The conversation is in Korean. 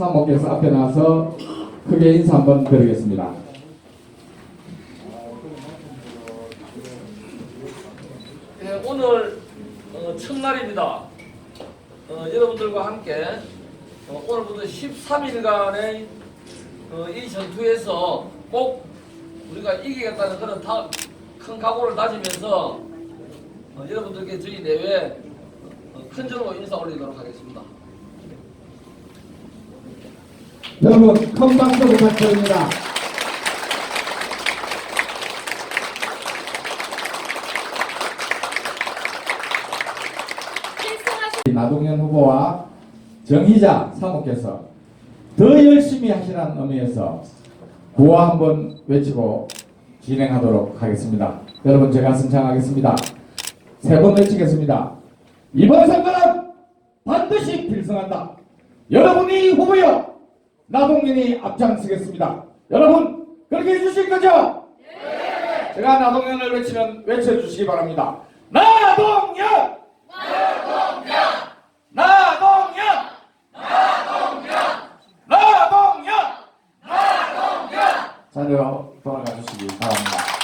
사모께서 앞에 나와서 크게 인사 한번 드리겠습니다. 네, 오늘 첫날입니다. 여러분들과 함께 오늘부터 13일간의 이 전투에서 꼭 우리가 이기겠다는 그런 큰 각오를 다지면서 여러분들께 저희 내외 큰 절로 인사 올리도록 하겠습니다. 여러분 큰 박수 부탁드립니다. 나동현 후보와 정희자 사모께서 더 열심히 하시라는 의미에서 구호 한번 외치고 진행하도록 하겠습니다. 여러분 제가 선창하겠습니다. 세 번 외치겠습니다. 이번 선거는 반드시 필승한다. 여러분이 후보여 나동현이 앞장서겠습니다. 여러분 그렇게 해주실 거죠? 네. 제가 나동현을 외치면 외쳐주시기 바랍니다. 나동현! 나동현! 나동현! 나동현! 나동현! 자리로 돌아가 주시기 바랍니다.